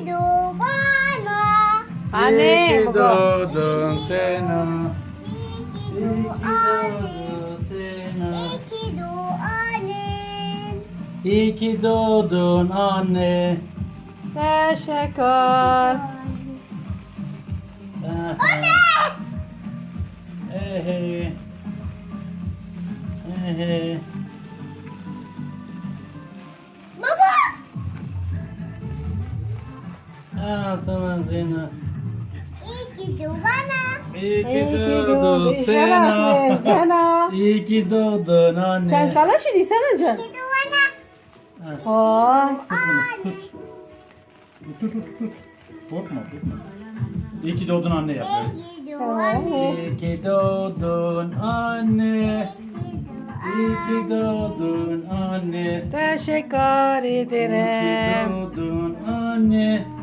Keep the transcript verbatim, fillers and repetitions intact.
ki doğana. Anne, İyi ki baba. doğdun Sena. İyi ki Doğanın. doğdun Sena. İyi ki doğanın. İyi ki doğdun anne. Teşekkür. Anne! Ehe. Ehe. Baba! Al sana Sena. İyi ki doğana. İyi İyi ki ki doğdun doğdun. Sena. Şeref ver sana. İyi ki doğdun anne. Can sana şu desene Can. İyi ki doğana. Oy. Anne. Tut tut tut. Korkma korkma. İyi ki doğdun anne yap. böyle. İyi ki doğanın. İyi ki doğdun anne. İyi ki doğdun anne. Teşekkür İyi ki ederim. doğdun anne.